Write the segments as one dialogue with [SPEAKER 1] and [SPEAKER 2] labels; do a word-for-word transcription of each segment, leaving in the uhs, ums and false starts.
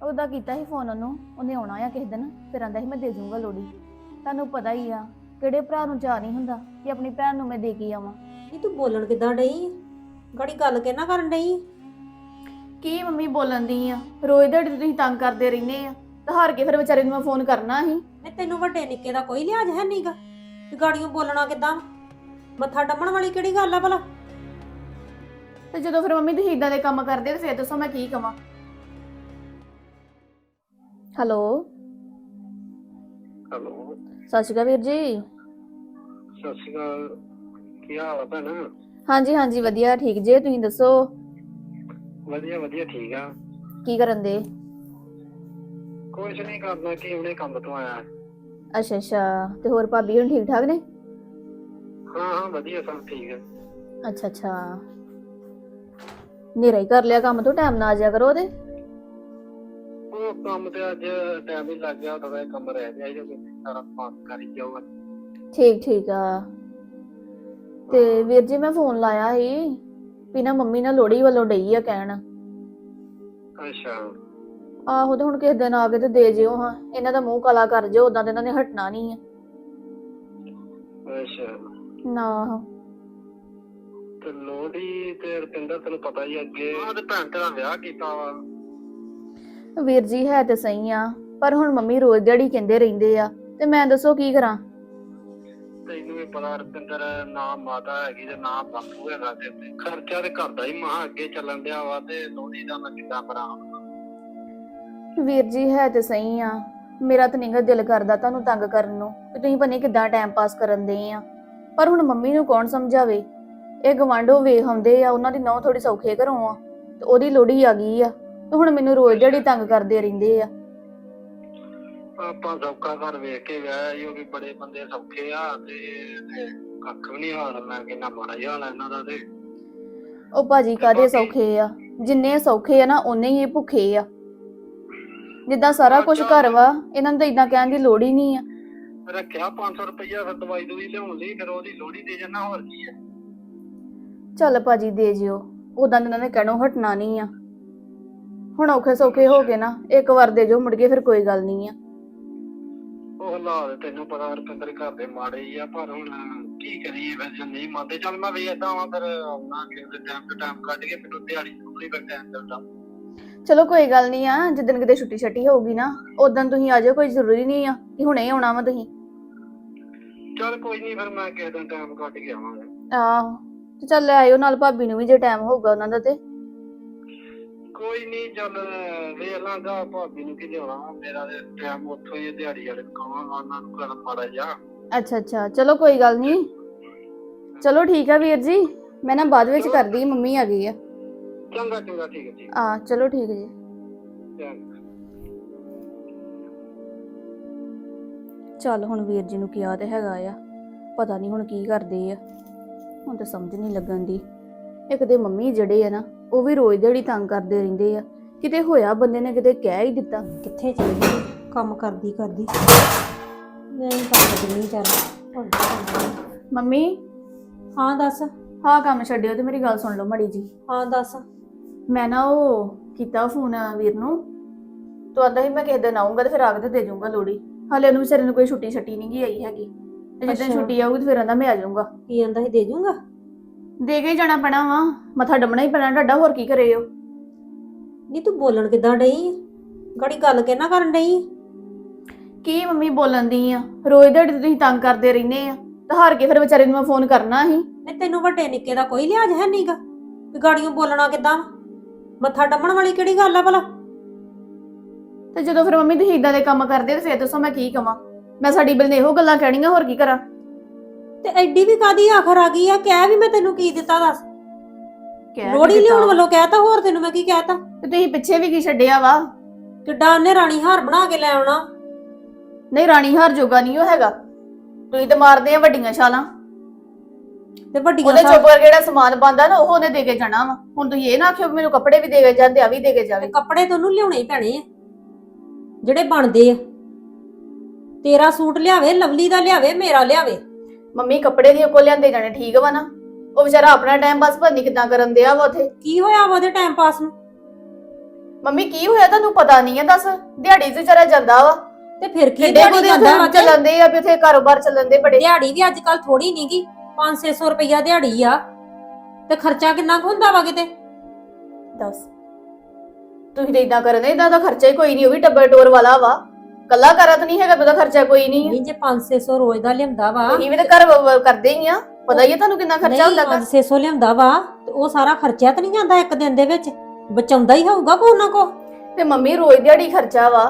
[SPEAKER 1] ਉਹਦਾ ਕੀਤਾ ਸੀ ਫੋਨ ਉਹਨੂੰ, ਉਹਨੇ ਆਉਣਾ ਆ ਕਿਸੇ ਦਿਨ, ਫਿਰ ਆਂਦਾ ਸੀ ਮੈਂ ਦੇ ਜਾਊਂਗਾ ਲੋੜੀ। ਤੁਹਾਨੂੰ ਪਤਾ ਹੀ ਆ ਕਿਹੜੇ ਭਰਾ ਨੂੰ ਚਾਅ ਨਹੀਂ ਹੁੰਦਾ ਕਿ ਆਪਣੀ ਭੈਣ ਨੂੰ ਮੈਂ ਦੇ ਕੇ ਆਵਾਂ।
[SPEAKER 2] ਨਹੀਂ ਤੂੰ ਬੋਲਣ ਕਿੱਦਾਂ ਡਈ? ਗਾੜੀ ਗੱਲ ਕਿਹਨਾਂ ਕਰਨ ਡਈ?
[SPEAKER 1] ਕੀ ਮੰਮੀ ਬੋਲਣ ਦੀ ਆ? ਰੋਜ਼ ਦਿਹਾੜੀ ਤੁਸੀਂ ਤੰਗ ਕਰਦੇ ਰਹਿੰਦੇ ਆ, ਤਾਂ ਹਾਰ ਕੇ ਫਿਰ ਵਿਚਾਰੇ ਨੂੰ ਮੈਂ ਫੋਨ ਕਰਨਾ ਸੀ।
[SPEAKER 2] ਨਹੀਂ ਤੈਨੂੰ ਵੱਡੇ ਨਿੱਕੇ ਦਾ ਕੋਈ ਲਿਹਾਜ਼ ਹੈ ਨਹੀਂਗਾ ਤੇ ਗਾੜੀਆਂ ਬੋਲਣਾ ਕਿੱਦਾਂ? ਮੱਥਾ ਡੰਮਣ ਵਾਲੀ ਕਿਹੜੀ ਗੱਲ ਆ ਭਲਾ?
[SPEAKER 1] ਤੇ ਜਦੋਂ ਫਿਰ ਮੰਮੀ ਤੁਸੀਂ ਇਦਾਂ ਦੇ ਕੰਮ ਕਰਦੇ ਤੇ ਫਿਰ ਦੱਸੋ ਮੈਂ ਕੀ ਕਵਾਂ। ਹੈਲੋ
[SPEAKER 3] ਹੈਲੋ,
[SPEAKER 1] ਸਤਿ ਸ਼੍ਰੀ ਅਕਾਲ ਵੀਰ ਜੀ।
[SPEAKER 3] ਸਤਿ ਸ਼੍ਰੀ ਅਕਾਲ। ਕੀ ਹਾਲ ਆ ਭੈਣ?
[SPEAKER 1] ਹਾਂਜੀ ਹਾਂਜੀ ਵਧੀਆ ਠੀਕ ਜੇ, ਤੁਸੀਂ ਦੱਸੋ?
[SPEAKER 3] ਵਧੀਆ ਵਧੀਆ ਠੀਕ ਆ।
[SPEAKER 1] ਕੀ ਕਰਨ ਦੇ?
[SPEAKER 3] ਕੁਛ ਨਹੀਂ ਕਰਨਾ, ਕਿ ਹੁਣੇ ਕੰਮ ਤੋਂ ਆਇਆ।
[SPEAKER 1] ਅੱਛਾ ਅੱਛਾ, ਤੇ ਹੋਰ ਭਾਬੀ ਹੁਣ ਠੀਕ ਠਾਕ ਨੇ?
[SPEAKER 3] ਹਾਂ ਹਾਂ ਵਧੀਆ, ਸਭ ਠੀਕ ਆ।
[SPEAKER 1] ਅੱਛਾ ਅੱਛਾ, ਨੇਰਾ ਹੀ ਕਰ ਲਿਆ ਕੰਮ ਤੋਂ, ਟਾਈਮ ਨਾਲ ਆ ਜਾਇਆ ਕਰੋ ਉਹਦੇ।
[SPEAKER 3] ਉਹ ਕੰਮ ਤੇ ਅੱਜ ਟਾਈਮ ਹੀ ਲੱਗ ਗਿਆ, ਥੋੜਾ ਜਿਹਾ ਕੰਮ ਰਹਿ ਗਿਆ ਜੋ ਸਾਰਾ ਪਾਸ ਕਰ ਹੀ ਜਾਊਗਾ।
[SPEAKER 1] ਠੀਕ ਠੀਕ ਆ। ਤੇ ਵੀਰ ਜੀ ਮੈਂ ਫੋਨ ਲਾਇਆ ਸੀ ਵੀ ਨਾ ਮੰਮੀ ਨਾ ਲੋਹੜੀ ਵੱਲੋਂ ਡਈ ਆ ਕਹਿਣ।
[SPEAKER 3] ਅੱਛਾ
[SPEAKER 1] ਆਹੋ, ਤੇ ਹੁਣ ਕਿਸੇ ਦਿਨ ਆ ਕੇ ਤੇ ਦੇ ਜਿਓ ਹਾਂ, ਇਹਨਾਂ ਦਾ ਮੂੰਹ ਕਾਲਾ ਕਰ ਜਿਓ, ਉਦਾਂ ਤੇ ਇਹਨਾਂ ਨੇ ਹਟਣਾ ਨਹੀਂ ਆ
[SPEAKER 3] ਅੱਛਾ।
[SPEAKER 1] ਨਾ।
[SPEAKER 3] ਤੇ ਲੋਹੜੀ ਤੇ ਰੁਪਿੰਦਰ ਤੈਨੂੰ ਪਤਾ ਹੀ ਅੱਗੇ ਆਹ ਤੇ ਭੈਣ ਤੇਰਾ ਵਿਆਹ ਕੀਤਾ ਵਾ।
[SPEAKER 1] ਵੀਰ ਜੀ ਹੈ ਤੇ ਸਹੀ ਆ, ਪਰ ਹੁਣ ਮੰਮੀ ਰੋਜ਼ ਦਿਹਾੜੀ ਕਹਿੰਦੇ ਰਹਿੰਦੇ ਆ, ਤੇ ਮੈਂ ਦੱਸੋ ਕੀ ਕਰਾਂ।
[SPEAKER 3] ਤੈਨੂੰ ਵੀ ਪਤਾ ਰੁਪਿੰਦਰ, ਨਾ ਮਾਤਾ ਹੈਗੀ ਤੇ ਨਾ ਬਾਪੂ ਹੈਗਾ, ਤੇ ਖਰਚਾ ਤੇ ਘਰ ਦਾ ਹੀ ਮਹਾ ਅੱਗੇ ਚੱਲਣ ਡਿਆ ਵਾ, ਤੇ ਲੋਹੜੀ ਦਾ ਮੈਂ ਕਿੱਦਾਂ ਕਰਾਂ?
[SPEAKER 1] ਵੀਰ ਜੀ ਹੈ ਤੇ ਸਹੀ ਆ, ਮੇਰਾ ਤਾਂ ਨਿਗਾ ਦਿਲ ਕਰਦਾ ਤੁਹਾਨੂੰ ਤੰਗ ਕਰਨ ਨੂੰ, ਤੇ ਤੁਸੀਂ ਪਤਾ ਨੀ ਕਿੱਦਾਂ ਟਾਈਮ ਪਾਸ ਕਰਨ ਦੇ ਆ, ਪਰ ਹੁਣ ਮੰਮੀ ਨੂੰ ਕੌਣ ਸਮਝਾਵੇ। ਇਹ ਗਵਾਂਢੋਂ ਵੇਖ ਆਉਂਦੇ ਆ, ਉਹਨਾਂ ਦੀ ਨਹੁੰ ਥੋੜੀ ਸੌਖੇ ਘਰੋਂ ਆ, ਤੇ ਉਹਦੀ ਲੋਹੜੀ ਆ ਗਈ ਆ, ਤੇ ਹੁਣ ਮੈਨੂੰ ਰੋਜ਼ ਦਿਹਾੜੀ ਤੰਗ ਕਰਦੇ ਰਹਿੰਦੇ ਆ।
[SPEAKER 3] ਆਪਾਂ ਸੌਖਾ ਘਰ ਵੇਖ ਕੇ ਵਿਆਹ, ਉਹ ਵੀ ਬੜੇ ਬੰਦੇ ਸੌਖੇ ਆ, ਤੇ ਕੱਖ ਵੀ ਨੀ ਹਾਲ। ਮੈਂ ਕਹਿੰਦਾ ਮਾੜਾ ਹੀ ਹਾਲ ਆ ਇਹਨਾਂ ਦਾ। ਤੇ
[SPEAKER 1] ਉਹ ਭਾਜੀ ਕਾਹਦੇ ਸੌਖੇ ਆ? ਜਿੰਨੇ ਸੌਖੇ ਆ ਨਾ ਓਨੇ ਹੀ ਇਹ ਭੁੱਖੇ ਆ। ਜਿੱਦਾਂ ਸਾਰਾ ਕੁਝ ਘਰ ਵਾ, ਇਹਨਾਂ ਨੂੰ ਤਾਂ ਇਦਾਂ ਕਹਿਣ ਦੀ ਲੋੜ ਹੀ ਨਹੀਂ ਆ।
[SPEAKER 3] ਰੱਖਿਆ ਪੰਜ ਸੌ ਰੁਪਈਆ ਫਿਰ ਦਵਾਈ ਦੂਈ ਲਿਆਉਣ ਲਈ, ਫਿਰ ਉਹਦੀ ਲੋਹੜੀ ਦੇ ਜਾਣਾ, ਹੋਰ ਕੀ ਆ।
[SPEAKER 1] ਚੱਲ ਭਾਜੀ ਦੇ ਜਿਓ, ਉਦਾਂ ਇਹਨਾਂ ਨੇ ਕਹਿਣੋਂ ਹਟਣਾ ਨਹੀਂ ਆ। ਹੁਣ ਔਖੇ ਸੌਖੇ ਹੋ ਗਏ ਨਾ, ਇੱਕ ਵਾਰ ਦੇ ਜੋ, ਮੁੜ ਕੇ ਫਿਰ ਕੋਈ ਗੱਲ ਨਹੀਂ ਆ।
[SPEAKER 3] ਉਹ ਹਾਲਾਤ ਤੈਨੂੰ ਪਤਾ ਰੁਪਿੰਦਰ ਘਰ ਦੇ ਮਾੜੇ ਹੀ ਆ, ਪਰ ਹੁਣ ਕੀ ਕਰੀਏ ਫਿਰ ਜੇ ਨਹੀਂ ਮੰਨਦੇ। ਚੱਲ ਮੈਂ ਵੇਖਦਾ ਵਾਂ, ਫਿਰ ਆਉਣਾ ਕਿਸੇ ਟਾਈਮ ਤੋਂ ਟਾਈਮ ਕੱਢ ਕੇ, ਮੈਨੂੰ ਦਿਹਾੜੀ ਥੋੜੀ ਫਿਰ ਟਾਈਮ ਮਿਲਦਾ।
[SPEAKER 1] ਚਲੋ ਕੋਈ ਗੱਲ ਨਹੀਂ ਆ, ਜਿੱਦਣ ਕਿਤੇ ਛੁੱਟੀ ਛੱਟੀ ਹੋਊਗੀ ਨਾ ਉਦੋਂ ਤੁਸੀਂ ਆ ਜਾਓ, ਕੋਈ ਜ਼ਰੂਰੀ ਨਹੀਂ ਆ ਕਿ ਹੁਣੇ ਆਉਣਾ ਵਾ ਤੁਸੀਂ।
[SPEAKER 3] ਚੱਲ ਕੋਈ ਨੀ, ਫਿਰ ਮੈਂ ਕਿਸੇ ਦਿਨ ਟਾਈਮ ਕੱਢ ਕੇ ਆਵਾਂਗਾ।
[SPEAKER 1] ਆਹੋ, ਤੇ ਚੱਲ ਲੈ ਆਇਓ ਨਾਲ ਭਾਬੀ ਨੂੰ ਵੀ, ਜੇ ਟਾਈਮ ਹੋਊਗਾ ਉਹਨਾਂ ਦਾ। ਤੇ
[SPEAKER 3] ਕੋਈ ਨੀ, ਚੱਲ ਵੇਖ ਲਾਂਗਾ ਭਾਬੀ ਨੂੰ ਕੀ ਲਿਆਉਣਾ, ਮੇਰਾ ਤੇ ਟਾਈਮ ਉੱਥੋਂ ਹੀ ਦਿਹਾੜੀ ਵਾਲੇ ਕਹਾਂਗਾ ਉਹਨਾਂ ਨੂੰ, ਕਰ ਮਾੜਾ ਜਿਹਾ।
[SPEAKER 1] ਅੱਛਾ ਅੱਛਾ, ਚਲੋ ਕੋਈ ਗੱਲ ਨਹੀਂ। ਚਲੋ ਠੀਕ ਆ ਵੀਰ ਜੀ, ਮੈਂ ਨਾ ਬਾਅਦ ਵਿੱਚ ਕਰਦੀ, ਮੰਮੀ ਆ ਗਈ ਆ।
[SPEAKER 3] ਚੰਗਾ ਚੰਗਾ, ਠੀਕ ਹੈ ਠੀਕ
[SPEAKER 1] ਆ ਚਲੋ ਠੀਕ ਜੀ।
[SPEAKER 3] ਹੈ।
[SPEAKER 1] ਚੱਲ ਹੁਣ ਵੀਰ ਜੀ ਨੂੰ ਕਿਹਾ ਤੇ ਹੈਗਾ ਆ, ਪਤਾ ਨਹੀਂ ਹੁਣ ਕੀ ਕਰਦੇ ਆ, ਹੁਣ ਤਾਂ ਸਮਝ ਨਹੀਂ ਲੱਗਣ ਦੀ। ਇੱਕ ਤੇ ਮੰਮੀ ਜਿਹੜੇ ਆ ਨਾ, ਉਹ ਵੀ ਰੋਜ਼ ਦਿਹਾੜੀ ਤੰਗ ਕਰਦੇ ਰਹਿੰਦੇ ਆ, ਕਿਤੇ ਹੋਇਆ ਬੰਦੇ ਨੇ ਕਿਤੇ ਕਹਿ ਹੀ ਦਿੱਤਾ।
[SPEAKER 2] ਕਿੱਥੇ ਚਲ ਗਈ ਕੰਮ ਕਰਦੀ ਕਰਦੀ? ਨਹੀਂ ਕਰ ਦਿੰਦੀ। ਚੱਲ
[SPEAKER 1] ਮੰਮੀ
[SPEAKER 2] ਹਾਂ ਦੱਸ।
[SPEAKER 1] ਹਾਂ ਕੰਮ ਛੱਡਿਓ ਤੇ ਮੇਰੀ ਗੱਲ ਸੁਣ ਲਓ ਮਾੜੀ ਜੀ।
[SPEAKER 2] ਹਾਂ ਦੱਸ।
[SPEAKER 1] ਮੈਂ ਨਾ ਉਹ ਕੀਤਾ ਫੋਨ ਵੀਰ ਨੂੰ, ਤੂੰ ਆਂਦਾ ਸੀ ਮੈਂ ਕਿਸੇ ਦਿਨ ਆਊਂਗਾ ਤੇ ਫਿਰ ਆ ਕੇ ਤੇ ਦੇ ਜਾਊਂਗਾ ਲੋੜੀ। ਹਾਲੇ ਉਹਨੂੰ ਵਿਚਾਰੇ ਨੂੰ ਕੋਈ ਛੁੱਟੀ ਛੱਟੀ ਨਹੀਂ ਗਈ ਆਈ ਹੈਗੀ, ਤੇ ਜਿੱਦਾਂ ਛੁੱਟੀ ਆਊਗੀ ਤੇ ਫਿਰ ਆਂਦਾ ਮੈਂ ਆ ਜਾਊਂਗਾ।
[SPEAKER 2] ਕੀ ਆਂਦਾ ਸੀ, ਦੇ ਜੂੰਗਾ?
[SPEAKER 1] ਦੇ ਕੇ ਜਾਣਾ ਪੈਣਾ ਵਾ, ਮੱਥਾ ਡੰਮਣਾ ਹੀ ਪੈਣਾ ਤੁਹਾਡਾ, ਹੋਰ ਕੀ ਕਰੇ ਹੋ।
[SPEAKER 2] ਨਹੀਂ ਤੂੰ ਬੋਲਣ ਕਿੱਦਾਂ ਡਈ? ਗਾੜੀ ਗੱਲ ਕਿਹਨਾਂ ਕਰਨ ਡਈ?
[SPEAKER 1] ਕੀ ਮੰਮੀ ਬੋਲਣ ਦੀ ਆ? ਰੋਜ਼ ਦਿਹਾੜੀ ਤੁਸੀਂ ਤੰਗ ਕਰਦੇ ਰਹਿੰਦੇ ਆ, ਤੇ ਹਾਰ ਕੇ ਫਿਰ ਵਿਚਾਰੇ ਨੂੰ ਮੈਂ ਫੋਨ ਕਰਨਾ ਸੀ।
[SPEAKER 2] ਨਹੀਂ ਤੈਨੂੰ ਵੱਡੇ ਨਿੱਕੇ ਦਾ ਕੋਈ ਲਿਹਾਜ਼ ਹੈ ਨਹੀਂਗਾ ਕਿ ਗਾੜੀਆਂ ਬੋਲਣਾ ਕਿੱਦਾਂ? ਮੱਥਾ ਡੰਮਣ ਵਾਲੀ ਕਿਹੜੀ ਗੱਲ ਆ ਭਲਾ?
[SPEAKER 1] ਤੇ ਜਦੋਂ ਫਿਰ ਮੰਮੀ ਤੁਸੀਂ ਇਦਾਂ ਦੇ ਕੰਮ ਕਰਦੇ ਤੇ ਫਿਰ ਦੱਸੋ ਮੈਂ ਕੀ ਕਵਾਂ। ਮੈਂ ਸਾਡੀ ਬਿਲ ਨੇ ਇਹੋ ਗੱਲਾਂ ਕਹਿਣੀਆਂ, ਹੋਰ ਕੀ ਕਰਾਂ।
[SPEAKER 2] ਤੇ ਐਡੀ ਵੀ ਕਾਦੀ ਆਖਰ ਆ ਗਈ ਆ? ਕਹਿ ਵੀ ਮੈਂ ਤੈਨੂੰ ਕੀ ਦਿੱਤਾ ਦੱਸ? ਲੋਹੜੀ ਲਿਆਉਣ ਵੱਲੋਂ ਕਹਿਤਾ, ਹੋਰ ਤੈਨੂੰ ਮੈਂ ਕੀ ਕਹਿਤਾ?
[SPEAKER 1] ਤੇ ਤੁਸੀਂ ਪਿੱਛੇ ਵੀ ਕੀ ਛੱਡਿਆ ਵਾ?
[SPEAKER 2] ਕਿੱਡਾ ਉਹਨੇ ਰਾਣੀ ਹਾਰ ਬਣਾ ਕੇ ਲੈ ਆਉਣਾ।
[SPEAKER 1] ਨਹੀਂ ਰਾਣੀ ਹਾਰ ਜੋਗਾ ਨਹੀਂ ਉਹ ਹੈਗਾ, ਤੁਸੀਂ ਤੇ ਮਾਰਦੇ ਆ ਵੱਡੀਆਂ ਛਾਲਾਂ।
[SPEAKER 2] ਤੇ ਵੱਡੀਆਂ
[SPEAKER 1] ਉਹਦੇ ਚੁੱਪ ਕਰਕੇ ਜਿਹੜਾ ਸਮਾਨ ਪਾਉਂਦਾ ਨਾ ਉਹ ਉਹਨੇ ਦੇ ਕੇ ਜਾਣਾ ਵਾ। ਹੁਣ ਤੁਸੀਂ ਇਹ ਨਾ ਆਖਿਓ ਮੈਨੂੰ ਕੱਪੜੇ ਵੀ ਦੇ ਕੇ ਜਾਂਦੇ, ਆ ਵੀ ਦੇ ਕੇ ਜਾਵੇ।
[SPEAKER 2] ਕੱਪੜੇ ਤੈਨੂੰ ਲਿਆਉਣੇ ਹੀ ਪੈਣੇ ਆ ਜਿਹੜੇ ਬਣਦੇ ਆ। ਤੇਰਾ ਸੂਟ ਲਿਆਵੇ, ਲਵਲੀ ਦਾ ਲਿਆਵੇ, ਮੇਰਾ ਲਿਆਵੇ।
[SPEAKER 1] ਮੰਮੀ ਕੱਪੜੇ ਦੀ ਕੋ ਲਿਆਂਦੇ ਜਾਣੇ ਠੀਕ ਵਾ ਨਾ, ਉਹ ਵਿਚਾਰਾ ਆਪਣਾ ਟਾਈਮ ਪਾਸ ਪਤਾ ਨੀ ਕਿੱਦਾਂ ਕਰਨ ਦਿਆ ਵਾ ਉਥੇ।
[SPEAKER 2] ਕੀ ਹੋਇਆ ਵਾ ਉਹਦੇ ਟਾਈਮ ਪਾਸ ਨੂੰ?
[SPEAKER 1] ਮੰਮੀ ਕੀ ਹੋਇਆ ਤੁਹਾਨੂੰ ਪਤਾ ਨਹੀਂ ਆ? ਦੱਸ, ਦਿਹਾੜੀ ਤੇ ਵਿਚਾਰਾ ਜਾਂਦਾ ਵਾ,
[SPEAKER 2] ਤੇ ਫਿਰ ਕੀ
[SPEAKER 1] ਕਿੱਡੇ
[SPEAKER 2] ਦਿਹਾੜੀ
[SPEAKER 1] ਕੁ
[SPEAKER 2] ਜਾਂਦਾ ਵਾ
[SPEAKER 1] ਦਿਨ
[SPEAKER 2] ਤੇ
[SPEAKER 1] ਚੱਲਦੇ ਆ ਵੀ ਉੱਥੇ ਕਾਰੋਬਾਰ ਚੱਲਣ ਦੇ ਬੜੇ।
[SPEAKER 2] ਦਿਹਾੜੀ ਵੀ ਅੱਜ ਕੱਲ ਥੋੜੀ ਨਹੀਂਗੀ, ਪੰਜ ਛੇ ਸੌ ਰੁਪਈਆ ਦਿਹਾੜੀ ਆ, ਤੇ ਖਰਚਾ ਕਿੰਨਾ ਕੁ ਹੁੰਦਾ ਵਾ ਕਿਤੇ।
[SPEAKER 1] ਦੱਸ, ਤੁਸੀਂ ਤਾਂ ਇਦਾਂ ਕਰਦੇ, ਇਦਾਂ ਦਾ ਖਰਚਾ ਹੀ ਕੋਈ ਨਹੀਂ, ਉਹ ਵੀ ਟੱਬਰ ਟੋਰ ਵਾਲਾ ਵਾ, ਕੱਲਾ ਕਰਤ ਨਹੀਂ ਹੈਗਾ, ਉਹਦਾ ਖਰਚਾ ਕੋਈ ਨਹੀਂ ਆ।
[SPEAKER 2] ਨਹੀਂ ਜੇ ਪੰਜ ਛੇ ਸੌ ਰੋਜ਼ ਦਾ ਲਿਆਉਂਦਾ ਵਾ,
[SPEAKER 1] ਤੁਸੀਂ ਵੀ ਤਾਂ ਘਰ ਵ- ਵ- ਕਰਦੇ ਹੀ ਆ, ਪਤਾ ਹੀ ਆ ਤੁਹਾਨੂੰ ਕਿੰਨਾ ਖਰਚਾ ਹੁੰਦਾ
[SPEAKER 2] ਨਹੀਂ
[SPEAKER 1] ਘਰ।
[SPEAKER 2] ਪੰਜ ਛੇ ਸੌ ਲਿਆਉਂਦਾ ਵਾ ਤੇ ਉਹ ਸਾਰਾ ਖਰਚਾ ਤਾਂ ਨਹੀਂ ਜਾਂਦਾ ਇੱਕ ਦਿਨ ਦੇ ਵਿੱਚ, ਬਚਾਉਂਦਾ ਹੀ ਹੋਊਗਾ ਕੋਈ ਨਾ ਕੋ।
[SPEAKER 1] ਤੇ ਮੰਮੀ ਰੋਜ਼ ਦਿਹਾੜੀ ਖਰਚਾ ਵਾ,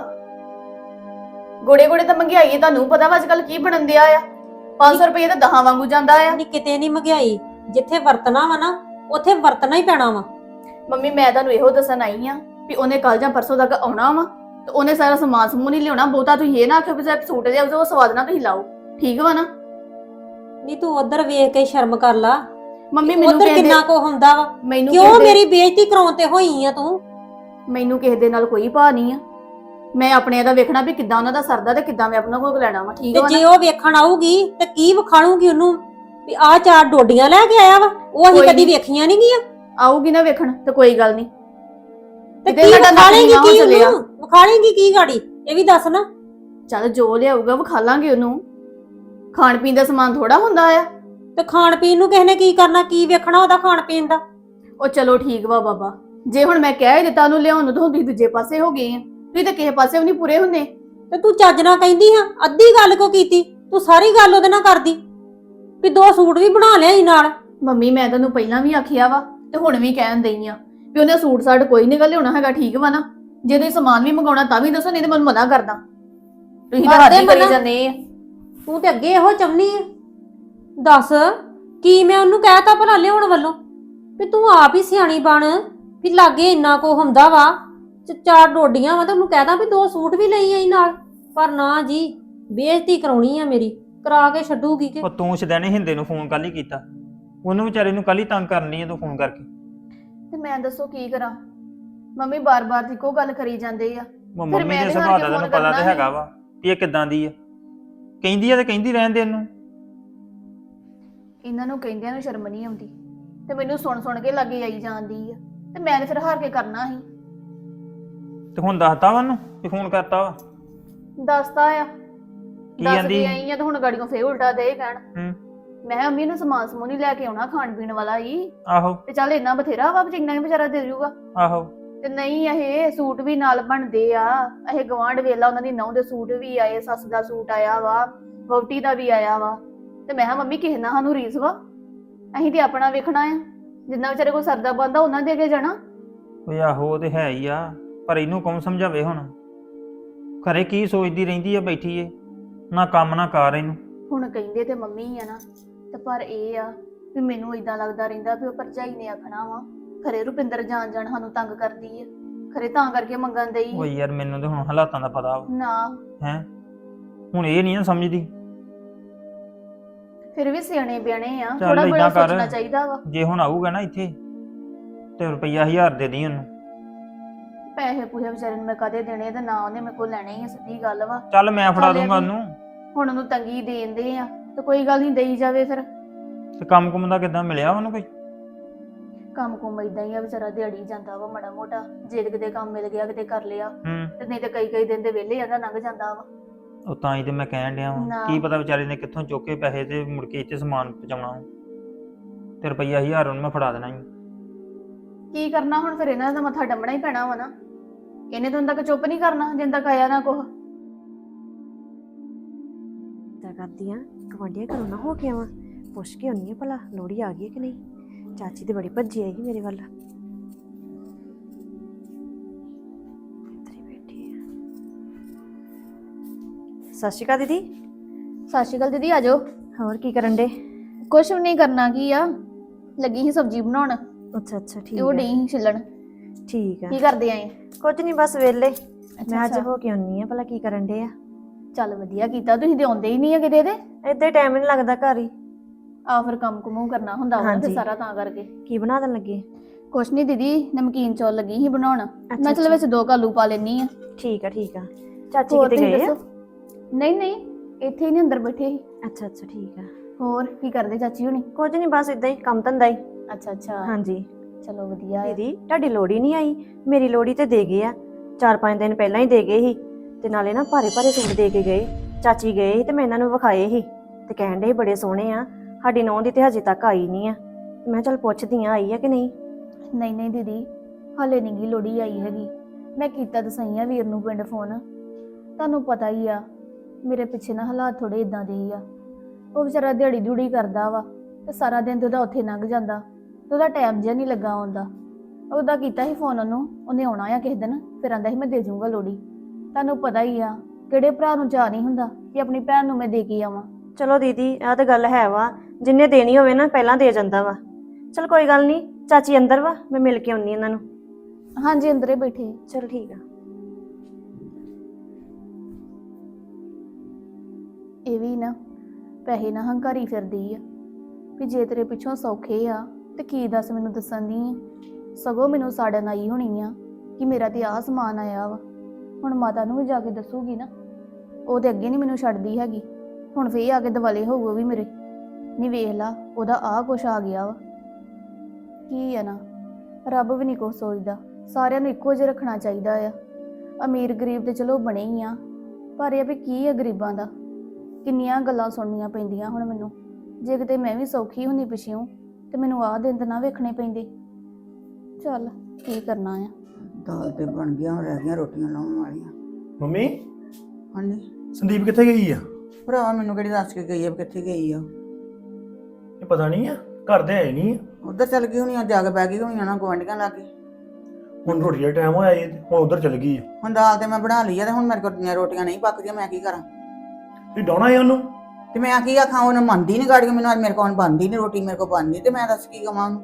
[SPEAKER 1] ਗੋੜੇ ਗੋੜੇ ਤਾਂ ਮਹਿੰਗਾਈ ਹੈ, ਤੁਹਾਨੂੰ ਪਤਾ ਵਾ ਅੱਜ ਕੱਲ ਕੀ ਬਣਨ ਦਿਆ ਆ। ਪੰਜ ਸੌ ਰੁਪਏ ਤਾਂ ਦਹਾਂ ਵਾਂਗੂ ਜਾਂਦਾ ਆ।
[SPEAKER 2] ਨਹੀਂ ਕਿਤੇ ਨਹੀਂ ਮਹਿੰਗਾਈ, ਜਿੱਥੇ ਵਰਤਣਾ ਵਾ ਨਾ ਉੱਥੇ ਵਰਤਣਾ ਹੀ ਪੈਣਾ ਵਾ।
[SPEAKER 1] ਮੰਮੀ ਮੈਂ ਤੁਹਾਨੂੰ ਇਹੋ ਦੱਸਣ ਆਈ ਆ ਵੀ ਉਹਨੇ ਕੱਲ ਜਾਂ ਪਰਸੋਂ ਤੱਕ ਆਉਣਾ ਵਾ, ਤੇ ਉਹਨੇ ਸਾਰਾ ਸਮਾਨ ਸਮੂਹ ਨਹੀਂ ਲਿਆਉਣਾ। ਬਹੁਤਾ ਤੁਸੀਂ ਇਹ ਨਾ ਆਖਿਓ ਵੀ ਸਿਰਫ ਸੂਟ ਲਿਆਓ, ਉਹ ਸਵਾਦ ਨਾ ਤੁਸੀਂ ਲਾਓ, ਠੀਕ ਵਾ ਨਾ?
[SPEAKER 2] ਨਹੀਂ ਤੂੰ ਉਧਰ ਵੇਖ ਕੇ ਸ਼ਰਮ ਕਰ ਲਾ,
[SPEAKER 1] ਮੰਮੀ ਮੈਨੂੰ
[SPEAKER 2] ਉਧਰ
[SPEAKER 1] ਕਹਿੰਦੇ
[SPEAKER 2] ਕਿੰਨਾ ਕੋ ਹੁੰਦਾ ਵਾ।
[SPEAKER 1] ਮੈਨੂੰ
[SPEAKER 2] ਕਿਉਂ
[SPEAKER 1] ਕਿਸੇ ਦੇ-
[SPEAKER 2] ਮੇਰੀ ਬੇਇੱਜ਼ਤੀ ਕਰਾਉਣ ਤੇ ਹੋਈ ਆ ਤੂੰ?
[SPEAKER 1] ਮੈਨੂੰ ਕਿਸੇ ਦੇ ਨਾਲ ਕੋਈ ਭਾ ਨਹੀਂ ਆ, ਮੈਂ ਆਪਣੇ ਦਾ ਵੇਖਣਾ ਵੀ ਕਿੱਦਾਂ ਉਹਨਾਂ ਦਾ ਸਰਦਾ ਤੇ ਕਿੱਦਾਂ ਮੈਂ ਆਪਣਾ ਕੋਲ ਲੈਣਾ ਵਾ, ਠੀਕ
[SPEAKER 2] ਤੇ
[SPEAKER 1] ਵਾ
[SPEAKER 2] ਜੇ
[SPEAKER 1] ਨਾ?
[SPEAKER 2] ਉਹ ਵੇਖਣ ਆਊਗੀ ਤੇ ਕੀ ਵਿਖਾਲੂਗੀ ਉਹਨੂੰ ਵੀ ਆਹ ਚਾਰ ਡੋਡੀਆਂ ਲੈ ਕੇ ਆਇਆ ਵਾ, ਉਹ ਅਸੀਂ
[SPEAKER 1] ਕੋਈ
[SPEAKER 2] ਕਦੀ
[SPEAKER 1] ਨੀ।
[SPEAKER 2] ਵੇਖੀਆਂ ਨਹੀਂ ਗੀਆਂ।
[SPEAKER 1] ਆਊਗੀ ਨਾ ਵੇਖਣ ਤੇ ਕੋਈ ਗੱਲ ਨਹੀਂ,
[SPEAKER 2] ਤੇ
[SPEAKER 1] ਕਿਤੇ
[SPEAKER 2] ਕੀ
[SPEAKER 1] ਸਾਡਾ ਨੱਕ
[SPEAKER 2] ਵਿਖਾਲੇਂਗੀ
[SPEAKER 1] ਨੀਵਾਂ ਹੋ
[SPEAKER 2] ਕੀ
[SPEAKER 1] ਚੱਲਿਆ।
[SPEAKER 2] ਉਹਨੂੰ, ਵਿਖਾਲੇਂਗੀ ਕੀ ਗਾੜੀ, ਇਹ ਵੀ ਦੱਸ ਨਾ।
[SPEAKER 1] ਚੱਲ ਜੋ ਲਿਆਊਗਾ ਵਿਖਾ ਲਾਂਗੇ ਉਹਨੂੰ, ਖਾਣ ਪੀਣ ਦਾ ਸਮਾਨ ਥੋੜਾ ਹੁੰਦਾ ਆ।
[SPEAKER 2] ਤੇ ਖਾਣ ਪੀਣ ਨੂੰ ਕਿਸੇ ਨੇ ਕੀ ਕਰਨਾ, ਕੀ ਵੇਖਣਾ ਉਹਦਾ ਖਾਣ ਪੀਣ ਦਾ।
[SPEAKER 1] ਉਹ ਚਲੋ ਠੀਕ ਵਾ ਬਾਬਾ, ਜੇ ਹੁਣ ਮੈਂ ਕਹਿ ਹੀ ਦਿੱਤਾ ਉਹਨੂੰ ਲਿਆਉਣ ਨੂੰ, ਤਾਂ ਹੁਣ ਤੁਸੀਂ ਦੂਜੇ ਪਾਸੇ ਹੋ ਗਏ ਆ, ਤੁਸੀਂ ਤਾਂ ਕਿਸੇ ਪਾਸੇ ਵੀ ਨਹੀਂ ਪੂਰੇ ਹੁੰਦੇ।
[SPEAKER 2] ਤੇ ਤੂੰ ਚੱਜ ਨਾਲ ਕਹਿੰਦੀ ਹਾਂ, ਅੱਧੀ ਗੱਲ ਕੋ ਕੀਤੀ ਤੂੰ, ਸਾਰੀ ਗੱਲ ਉਹਦੇ ਨਾਲ ਕਰਦੀ ਵੀ ਦੋ ਸੂਟ ਵੀ ਬਣਾ ਲਿਆ ਨਾਲ।
[SPEAKER 1] ਮੰਮੀ ਮੈਂ ਤੈਨੂੰ ਪਹਿਲਾਂ ਵੀ ਆਖਿਆ ਵਾ ਤੇ ਹੁਣ ਵੀ ਕਹਿਣ ਦਈ ਆ ਵੀ ਉਹਨੇ ਸੂਟ ਸਾਟ ਕੋਈ ਨਹੀਂ ਗਾ ਲਿਆਉਣਾ ਹੈਗਾ, ਠੀਕ ਵਾ ਨਾ? ਜੇ ਤੁਸੀਂ ਸਮਾਨ ਵੀ ਮੰਗਾਉਣਾ ਤਾਂ ਵੀ ਦੱਸੋ, ਨਹੀਂ ਤੇ ਮੈਨੂੰ ਮਨਾ ਕਰਦਾ। ਤੁਸੀਂ ਤਾਂ ਹੱਦ ਹੀ ਕਰੀ
[SPEAKER 2] ਮਨਾ।
[SPEAKER 1] ਜਾਂਦੇ ਆ।
[SPEAKER 2] ਤੂੰ ਤੇ ਅੱਗੇ ਇਹੋ ਚਾਹੁੰਦੀ ਆ। ਦੱਸ ਕੀ ਮੈਂ ਉਹਨੂੰ ਕਹਿਤਾ ਭਲਾ ਲਿਆਉਣ ਵੱਲੋਂ ਵੀ ਤੂੰ ਆਪ ਹੀ ਸਿਆਣੀ ਬਣ, ਵੀ ਲਾਗੇ ਇੰਨਾ ਕੋ ਹੁੰਦਾ ਵਾ, ਚ- ਚਾਰ ਡੋਡੀਆਂ ਵਾ ਤੇ ਉਹਨੂੰ ਕਹਿਦਾ ਵੀ ਦੋ ਸੂਟ ਵੀ ਲਈ ਆਈ ਨਾਲ। ਪਰ ਨਾ ਜੀ, ਬੇਇੱਜ਼ਤੀ ਕਰਾਉਣੀ ਆ ਮੇਰੀ, ਕਰਾ ਕੇ ਛੱਡੂਗੀ ਕਿ।
[SPEAKER 4] ਉਹ ਤੂੰ ਸਦੈਣੇ ਹਿੰਦੇ ਨੂੰ ਫੋਨ ਕੱਲ ਹੀ ਕੀਤਾ, ਉਹਨੂੰ ਵਿਚਾਰੇ ਨੂੰ ਕੱਲ ਹੀ ਤੰਗ ਕਰਨੀ ਹੈ ਤੂੰ ਫੋਨ ਕਰਕੇ।
[SPEAKER 1] ਤੇ ਮੈਂ ਦੱਸੋ ਕੀ ਕਰਾਂ? ਮੰਮੀ ਬਾਰ-ਬਾਰ ਇੱਕੋ ਗੱਲ ਕਰੀ ਜਾਂਦੇ ਆ।
[SPEAKER 4] ਉਹ
[SPEAKER 1] ਫਿਰ
[SPEAKER 4] ਮੰਮੀ
[SPEAKER 1] ਮੈਂ
[SPEAKER 4] ਦੇ
[SPEAKER 1] ਇਹਦੇ
[SPEAKER 4] ਸੁਭਾਅ
[SPEAKER 1] ਨਾਲ
[SPEAKER 4] ਦਾ
[SPEAKER 1] ਕਿਉਂ
[SPEAKER 4] ਤੈਨੂੰ ਪਤਾ
[SPEAKER 1] ਕਰਨਾ
[SPEAKER 4] ਤੇ
[SPEAKER 1] ਸੀ?
[SPEAKER 4] ਹੈਗਾ ਵਾ ਵੀ ਇਹ ਕਿੱਦਾਂ ਦੀ ਆ, ਕਹਿੰਦੀ ਆ ਤੇ ਕਹਿੰਦੀ ਰਹਿਣ ਦੇ ਇਹਨੂੰ।
[SPEAKER 1] ਇਹਨਾਂ ਨੂੰ ਕਹਿੰਦਿਆਂ ਨੂੰ ਸ਼ਰਮ ਨਹੀਂ ਆਉਂਦੀ, ਤੇ ਮੈਨੂੰ ਸੁਣ ਸੁਣ ਕੇ ਲੱਗੇ ਆਈ ਜਾਂਦੀ ਆ, ਤੇ ਮੈਂ ਤੇ ਫਿਰ ਹਾਰ ਕੇ ਕਰਨਾ ਸੀ।
[SPEAKER 4] ਤੇ ਹੁਣ ਦੱਸਤਾ ਵਾ ਉਹਨੂੰ ਵੀ ਫੋਨ ਕਰਤਾ ਵਾ?
[SPEAKER 1] ਦੱਸਤਾ ਆ,
[SPEAKER 4] ਕੀ
[SPEAKER 1] ਦੱਸ
[SPEAKER 4] ਕਹਿੰਦੀ?
[SPEAKER 1] ਕੇ ਆਈ ਆ, ਤੇ ਹੁਣ ਗਾੜੀਆਂ ਫੇਰ ਉਲਟਾ ਦੇ ਕਹਿਣ।
[SPEAKER 4] ਹੂੰ
[SPEAKER 1] ਮੈਂ ਕਿਹਾ ਮੰਮੀ ਨੂੰ ਸਮਾਨ ਸਮੂਨ ਹੀ ਲੈ ਕੇ ਆਉਣਾ, ਖਾਣ ਪੀਣ ਵਾਲਾ ਹੀ,
[SPEAKER 4] ਆਹੋ
[SPEAKER 1] ਤੇ ਚੱਲ ਇੰਨਾ ਬਥੇਰਾ ਵਾ, ਜਿੰਨਾ ਹੀ ਵਿਚਾਰਾ ਦੇ ਜੂਗਾ।
[SPEAKER 4] ਆਹੋ
[SPEAKER 1] ਤੇ ਨਹੀਂ, ਇਹ ਸੂਟ ਵੀ ਨਾਲ ਬਣਦੇ ਆ, ਇਹ ਗਵਾਂਢ ਵੇਲਾ ਉਹਨਾਂ ਦੀ ਨਹੁੰ ਦੇ ਸੂਟ ਵੀ ਆਏ, ਸੱਸ ਦਾ ਸੂਟ ਆਇਆ ਵਾ, ਵਹੁਟੀ ਦਾ ਵੀ ਆਇਆ ਵਾ। ਤੇ ਮੈਂ ਕਿਹਾ ਮੰਮੀ ਕਿਸੇ ਨਾਲ ਸਾਨੂੰ ਰੀਸ ਵਾ, ਅਸੀਂ ਤੇ ਆਪਣਾ ਵੇਖਣਾ ਆ, ਜਿੰਨਾ ਵਿਚਾਰੇ ਕੋਲ ਸਰਦਾ ਬੰਦਾ ਉਹਨਾਂ ਦੇ ਅੱਗੇ ਜਾਣਾ।
[SPEAKER 4] ਓਏ ਆਹੋ ਉਹ ਤੇ ਹੈ ਹੀ ਆ, ਪਰ ਇਹਨੂੰ ਕੌਣ ਸਮਝਾਵੇ ਹੁਣ? ਘਰੇ ਕੀ ਸੋਚਦੀ ਰਹਿੰਦੀ ਆ ਬੈਠੀ ਏ, ਨਾ ਕੰਮ ਨਾ ਕਾਰ ਇਹਨੂੰ।
[SPEAKER 1] ਹੁਣ ਕਹਿੰਦੇ ਤੇ ਮੰਮੀ ਆ ਨਾ, ਤੇ ਪਰ ਇਹ ਆ ਵੀ ਮੈਨੂੰ ਇਦਾਂ ਲੱਗਦਾ ਰਹਿੰਦਾ ਵੀ ਉਹ ਭਰਜਾਈ ਨੇ ਆਖਣਾ ਵਾ ਖਰੇ ਰੁਪਿੰਦਰ ਜਾਣ ਜਾਣ ਸਾਨੂੰ ਤੰਗ ਕਰਦੀ ਆ, ਖਰੇ ਤਾਂ ਕਰਕੇ ਮੰਗਣ ਦੇਈ
[SPEAKER 4] ਓਏ ਯਾਰ ਮੈਨੂੰ ਤੇ ਹੁਣ ਹਾਲਾਤਾਂ ਦਾ ਪਤਾ ਵਾ
[SPEAKER 1] ਨਾ।
[SPEAKER 4] ਹੈ, ਹੁਣ ਇਹ ਨਹੀਂ ਨਾ ਸਮਝਦੀ।
[SPEAKER 1] ਫਿਰ ਵੀ ਸਿਆਣੇ ਬਿਆਣੇ ਆ,
[SPEAKER 4] ਚੱਲ
[SPEAKER 1] ਥੋੜਾ ਬੜਾ
[SPEAKER 4] ਏਦਾਂ ਕਰ।
[SPEAKER 1] ਸੋਚਣਾ ਚਾਹੀਦਾ ਵਾ।
[SPEAKER 4] ਜੇ ਹੁਣ ਆਊਗਾ ਨਾ ਇੱਥੇ ਤੇ ਰੁਪਈਆ ਹਜ਼ਾਰ ਦੇ ਦੀ ਉਹਨੂੰ।
[SPEAKER 1] ਪੈਸੇ ਪੂਸੇ ਵਿਚਾਰੇ ਨੂੰ ਮੈਂ ਕਦੇ ਦੇਣੇ, ਤੇ ਨਾ ਉਹਨੇ ਮੇਰੇ ਕੋਲ ਲੈਣੇ ਹੀ ਆ, ਸਿੱਧੀ ਗੱਲ ਵਾ।
[SPEAKER 4] ਚੱਲ ਮੈਂ ਫੜਾ
[SPEAKER 1] ਚੱਲ ਇਹ
[SPEAKER 4] ਦੂੰਗਾ
[SPEAKER 1] ਵੀ-
[SPEAKER 4] ਉਹਨੂੰ।
[SPEAKER 1] ਹੁਣ ਉਹਨੂੰ ਤੰਗੀ ਦੇਂਦੇ ਆ, ਤੇ ਕੋਈ ਗੱਲ ਨਹੀਂ, ਦੇਈ ਜਾਵੇ ਫਿਰ।
[SPEAKER 4] ਤੇ ਕੰਮ ਕੁਮ ਦਾ ਕਿੱਦਾਂ ਮਿਲਿਆ ਉਹਨੂੰ ਕੋਈ?
[SPEAKER 1] ਕੰਮ ਕੁਮ ਇਦਾਂ ਹੀ ਆ, ਵਿਚਾਰਾ ਦਿਹਾੜੀ ਜਾਂਦਾ ਵਾ ਮਾੜਾ ਮੋਟਾ, ਜੇ ਕਿਤੇ ਕੰਮ ਮਿਲ ਗਿਆ ਕਿਤੇ ਕਰ ਲਿਆ,
[SPEAKER 4] ਹੂੰ
[SPEAKER 1] ਤੇ ਨਹੀਂ ਤੇ ਕਈ ਕਈ ਦਿਨ ਦੇ ਵਿਹਲੇ ਜਾਂਦਾ ਲੰਘ ਜਾਂਦਾ ਵਾ।
[SPEAKER 4] ਉਹ ਤਾਂ ਹੀ ਤੇ ਮੈਂ ਕਹਿਣ ਡਿਆ ਵਾਂ,
[SPEAKER 1] ਨਾ।
[SPEAKER 4] ਕੀ ਪਤਾ ਵਿਚਾਰੇ ਨੇ ਕਿੱਥੋਂ ਚੁੱਕ ਕੇ ਪੈਸੇ ਤੇ ਮੁੜ ਕੇ ਇੱਥੇ ਸਮਾਨ ਪਹੁੰਚਾਉਣਾ। ਤੇ ਰੁਪਈਆ ਹਜ਼ਾਰ ਉਹਨੂੰ ਮੈਂ ਫੜਾ ਦੇਣਾ ਹੀ।
[SPEAKER 1] ਕੀ ਕਰਨਾ ਹੁਣ ਫਿਰ, ਇਹਨਾਂ ਦਾ ਮੱਥਾ ਡੰਮਣਾ ਹੀ ਪੈਣਾ ਵਾ ਨਾ। ਇਹਨੇ ਤਾਂ ਤੱਕ ਚੁੱਪ ਨਹੀਂ ਕਰਨਾ ਜਿੰਨ ਤੱਕ ਆਇਆ ਨਾ ਕੁਛ।
[SPEAKER 5] ਤਾਂ ਕਰਦੀ ਆ, ਗਵਾਂਢੀਆਂ ਘਰੋਂ ਨਾ ਹੋ ਕੇ ਆਵਾਂ, ਪੁੱਛ ਕੇ ਆਉਣੀ ਆ ਭਲਾ ਲੋਹੜੀ ਆ ਗਈ ਹੈ ਕਿ ਨਹੀਂ। ਚਾਚੀ ਤੇ ਬੜੀ ਭੱਜੀ ਆਈ ਮੇਰੇ ਵੱਲ। ਇੱਧਰ ਹੀ ਬੈਠੀ ਆ। ਸਤਿ ਸ਼੍ਰੀ ਅਕਾਲ ਦੀਦੀ।
[SPEAKER 1] ਸਤਿ ਸ਼੍ਰੀ ਅਕਾਲ ਦੀਦੀ, ਆਜੋ।
[SPEAKER 5] ਹੋਰ ਕੀ ਕਰਨ ਡੇ?
[SPEAKER 1] ਕੁਛ ਵੀ ਨਹੀਂ ਕਰਨਾ, ਕੀ ਆ, ਲੱਗੀ ਸੀ ਸਬਜ਼ੀ ਬਣਾਉਣ,
[SPEAKER 5] ਅੱਛਾ ਅੱਛਾ
[SPEAKER 1] ਤੇ
[SPEAKER 5] ਠੀਕ
[SPEAKER 1] ਉਹ
[SPEAKER 5] ਆ
[SPEAKER 1] ਡਈ ਸੀ ਛਿੱਲਣ।
[SPEAKER 5] ਠੀਕ ਆ।
[SPEAKER 1] ਕੀ ਕਰਦੇ ਆਏ?
[SPEAKER 5] ਕੁਝ ਨਹੀਂ, ਬਸ ਵਿਹਲੇ। ਮੈਂ ਅੱਜ
[SPEAKER 1] ਅੱਛਾ।
[SPEAKER 5] ਹੋ ਕੇ ਆਉਣੀ ਆ ਭਲਾ ਕੀ ਕਰਨ ਡੇ ਆ।
[SPEAKER 1] ਚੱਲ ਵਧੀਆ ਕੀਤਾ, ਤੁਸੀਂ ਤੇ ਆਉਂਦੇ ਹੀ ਨਹੀਂ ਆ ਕਿਤੇ ਦੇ।
[SPEAKER 5] ਏਦਾਂ ਹੀ ਟਾਈਮ ਨਹੀਂ ਲੱਗਦਾ ਘਰ ਹੀ।
[SPEAKER 1] ਆ ਫਿਰ ਕੰਮ ਕੁਮੂ ਕਰਨਾ ਹੁੰਦਾ ਵਾ ਨਾ, ਤੇ
[SPEAKER 5] ਹਾਂਜੀ।
[SPEAKER 1] ਸਾਰਾ ਤਾਂ ਕਰਕੇ।
[SPEAKER 5] ਕੀ ਬਣਾ ਦੇਣ ਲੱਗੇ?
[SPEAKER 1] ਕੁਛ ਨਹੀਂ ਦੀਦੀ, ਨਮਕੀਨ ਚੌਲ ਲੱਗੀ ਸੀ ਬਣਾਉਣ, ਮੈਂ ਚਲ
[SPEAKER 5] ਅੱਛਾ।
[SPEAKER 1] ਵਿੱਚ ਦੋ ਕਾਲੂ ਪਾ ਲੈਣੀ ਆ।
[SPEAKER 5] ਠੀਕ ਆ ਠੀਕ ਆ। ਚਾਚੀ
[SPEAKER 1] ਹੋਰ
[SPEAKER 5] ਕਿਤੇ
[SPEAKER 1] ਤੁਸੀਂ
[SPEAKER 5] ਗਏ ਆ?
[SPEAKER 1] ਦੱਸੋ? ਨਹੀਂ ਨਹੀਂ, ਇੱਥੇ ਹੀ ਨੇ, ਅੰਦਰ ਬੈਠੇ ਸੀ।
[SPEAKER 5] ਅੱਛਾ ਅੱਛਾ ਠੀਕ ਆ।
[SPEAKER 1] ਹੋਰ ਕੀ ਕਰਦੇ ਚਾਚੀ ਹੁਣੀ?
[SPEAKER 5] ਕੁਝ ਨਹੀਂ, ਬਸ ਇਦਾਂ ਹੀ ਕੰਮ ਧੰਦਾ ਹੀ।
[SPEAKER 1] ਅੱਛਾ ਅੱਛਾ।
[SPEAKER 5] ਹਾਂਜੀ।
[SPEAKER 1] ਚਲੋ ਵਧੀਆ ਹੈ।
[SPEAKER 5] ਦੀਦੀ ਤੁਹਾਡੀ ਲੋੜੀ ਨਹੀਂ ਆਈ, ਮੇਰੀ ਲੋੜੀ ਤੇ ਦੇ ਗਏ ਆ। ਚਾਰ ਪੰਜ ਦਿਨ ਪਹਿਲਾਂ ਹੀ ਦੇ ਗਏ ਸੀ ਤੇ ਨਾਲੇ ਨਾ ਭਾਰੇ ਭਾਰੇ ਸੂਟ ਦੇ ਕੇ ਗਏ। ਚਾਚੀ ਗਏ ਸੀ ਤੇ ਮੈਂ ਇਹਨਾਂ ਨੂੰ ਵਿਖਾਏ ਸੀ ਤੇ ਕਹਿਣ ਦੇ ਬੜੇ ਸੋਹਣੇ ਆ। ਸਾਡੀ ਨੌਂ ਦੀ ਤੇ ਹਜੇ ਤੱਕ ਆਈ ਨਹੀਂ ਆ। ਮੈਂ ਚੱਲ ਪੁੱਛਦੀ ਆ ਆਈ ਆ ਕਿ ਨਹੀਂ।
[SPEAKER 1] ਨਹੀਂ ਨਹੀਂ ਦੀਦੀ, ਹਾਲੇ ਨਹੀਂ ਗੀ ਲੋੜੀ ਆਈ ਹੈਗੀ। ਮੈਂ ਕੀਤਾ ਤਾਂ ਸਹੀ ਆ ਵੀਰ ਨੂੰ ਪਿੰਡ ਫੋਨ। ਤੁਹਾਨੂੰ ਪਤਾ ਹੀ ਆ ਮੇਰੇ ਪਿੱਛੇ ਨਾ ਹਾਲਾਤ ਥੋੜੇ ਇਦਾਂ ਦੇ ਹੀ ਆ। ਉਹ ਵਿਚਾਰਾ ਦਿਹਾੜੀ ਦਿਹੜੀ ਕਰਦਾ ਵਾ ਤੇ ਸਾਰਾ ਦਿਨ ਤੇ ਉਹਦਾ ਉੱਥੇ ਲੰਘ ਜਾਂਦਾ ਤੇ ਉਹਦਾ ਟਾਈਮ ਜਿਹਾ ਨਹੀਂ ਲੱਗਾ ਆਉਂਦਾ। ਉਹਦਾ ਕੀਤਾ ਸੀ ਫੋਨ ਉਹਨੂੰ, ਉਹਨੇ ਆਉਣਾ ਆ ਕਿਸੇ ਦਿਨ, ਫਿਰ ਆਂਦਾ ਸੀ ਮੈਂ ਦੇ ਜਾਊਂਗਾ ਲੋੜੀ। ਤੁਹਾਨੂੰ ਪਤਾ ਹੀ ਆ ਕਿਹੜੇ ਭਰਾ ਨੂੰ ਚਾਅ ਨਹੀਂ ਹੁੰਦਾ ਕਿ ਆਪਣੀ ਭੈਣ ਨੂੰ ਮੈਂ ਦੇ ਕੇ ਆਵਾਂ।
[SPEAKER 5] ਚਲੋ ਦੀਦੀ ਇਹ ਤਾਂ ਗੱਲ ਹੈ ਵਾ, ਜਿੰਨੇ ਦੇਣੀ ਹੋਵੇ ਨਾ ਪਹਿਲਾਂ ਦੇ ਜਾਂਦਾ ਵਾ। ਚਲ ਕੋਈ ਗੱਲ ਨਹੀਂ, ਚਾਚੀ ਅੰਦਰ ਵਾ, ਮੈਂ ਮਿਲ ਕੇ ਆਉਣੀ ਇਹਨਾਂ ਨੂੰ।
[SPEAKER 1] ਹਾਂਜੀ ਅੰਦਰੇ ਬੈਠੇ।
[SPEAKER 5] ਚਲ ਠੀਕ ਆ।
[SPEAKER 1] ਇਹ ਵੀ ਨਾ ਪੈਸੇ ਨਾ ਹੰਕਾਰੀ ਫਿਰਦੀ ਆ ਵੀ ਜੇ ਤੇਰੇ ਪਿੱਛੋਂ ਸੌਖੇ ਆ ਤੇ ਕੀ ਦੱਸ ਮੈਨੂੰ ਦੱਸਣ ਦੀ ਆ। ਸਗੋਂ ਮੈਨੂੰ ਸਾੜਨ ਆਈ ਹੋਣੀ ਆ ਕਿ ਮੇਰਾ ਤੇ ਆਹ ਸਮਾਨ ਆਇਆ ਵਾ। ਹੁਣ ਮਾਤਾ ਨੂੰ ਵੀ ਜਾ ਕੇ ਦੱਸੂਗੀ ਨਾ, ਉਹ ਤੇ ਅੱਗੇ ਨਹੀਂ ਮੈਨੂੰ ਛੱਡਦੀ ਹੈਗੀ। ਹੁਣ ਫੇਰ ਆ ਕੇ ਦਿਵਾਲੇ ਹੋਊ ਵੀ ਮੇਰੇ। ਨਹੀਂ ਵੇਖ ਲਾ ਉਹਦਾ ਆਹ ਕੁਛ ਆ ਗਿਆ ਵਾ। ਕੀ ਆ ਨਾ, ਰੱਬ ਵੀ ਨਹੀਂ ਕੁਛ ਸੋਚਦਾ, ਸਾਰਿਆਂ ਨੂੰ ਇੱਕੋ ਜਿਹਾ ਰੱਖਣਾ ਚਾਹੀਦਾ ਆ। ਅਮੀਰ ਗਰੀਬ ਤੇ ਚਲੋ ਬਣੇ ਹੀ ਆ, ਪਰ ਇਹ ਵੀ ਕੀ ਆ ਗਰੀਬਾਂ ਦਾ। ਕਿੰਨੀਆਂ ਗੱਲਾਂ ਸੁਣਨੀਆਂ ਪੈਂਦੀਆਂ ਹੁਣ ਮੈਨੂੰ। ਜੇ ਕਿਤੇ ਮੈਂ ਵੀ ਸੌਖੀ ਹੁੰਦੀ ਪਿੱਛੋਂ ਤੇ ਮੈਨੂੰ ਆਹ ਦਿਨ ਤਾਂ ਨਾ ਵੇਖਣੇ ਪੈਂਦੇ। ਚੱਲ ਕੀ ਕਰਨਾ ਆ।
[SPEAKER 6] ਦਾਲ ਤੇ ਬਣ ਗਿਆ, ਹੁਣ ਰਹਿ ਗਈਆਂ ਰੋਟੀਆਂ ਲਾਉਣ ਵਾਲੀਆਂ।
[SPEAKER 7] ਮੰਮੀ
[SPEAKER 6] ਹਾਂਜੀ
[SPEAKER 7] ਸੰਦੀਪ ਕਿੱਥੇ ਗਈ ਆ?
[SPEAKER 6] ਭਰਾ ਮੈਨੂੰ ਕਿਹੜੀ ਦੱਸ ਕੇ ਗਈ ਆ ਵੀ ਕਿੱਥੇ ਗਈ ਆ।
[SPEAKER 7] ਇਹ ਪਤਾ ਨਹੀਂ ਆ, ਘਰ ਦੇ ਆਏ ਨਹੀਂ ਆ।
[SPEAKER 6] ਉਧਰ ਚੱਲ ਗਈ ਹੋਣੀ ਆ, ਜਾ ਕੇ ਬਹਿ ਗਈ ਹੋਣੀ ਆ ਨਾ ਗੁਆਂਢੀਆਂ ਲਾਗੇ।
[SPEAKER 7] ਹੁਣ ਰੋਟੀ ਦਾ ਟਾਈਮ ਹੋਇਆ ਏ, ਹੁਣ ਉਧਰ ਚਲ ਗਈ ਆ।
[SPEAKER 6] ਹੁਣ ਦਾਲ ਤੇ ਮੈਂ ਬਣਾ ਲਈ ਆ ਤੇ ਹੁਣ ਮੇਰੇ ਕੋਲ ਰੋਟੀਆਂ ਨਹੀਂ ਪੱਕਦੀਆਂ, ਮੈਂ ਕੀ ਕਰਾਂ।
[SPEAKER 7] ਤੁਸੀਂ ਡਾਉਣਾ ਏ ਉਹਨੂੰ?
[SPEAKER 6] ਤੇ ਮੈਂ ਕੀ ਆਖਾਂ, ਉਹਨੇ ਮੰਨਦੀ ਨਹੀਂ ਗਾੜੀ ਮੈਨੂੰ, ਅੱਜ ਮੇਰੇ ਕੋਲ ਬਣਦੀ ਨਹੀਂ ਰੋਟੀ, ਮੇਰੇ ਕੋਲ ਬਣਦੀ ਤੇ ਮੈਂ ਦੱਸ ਕੀ ਕਵਾਂ ਉਹਨੂੰ।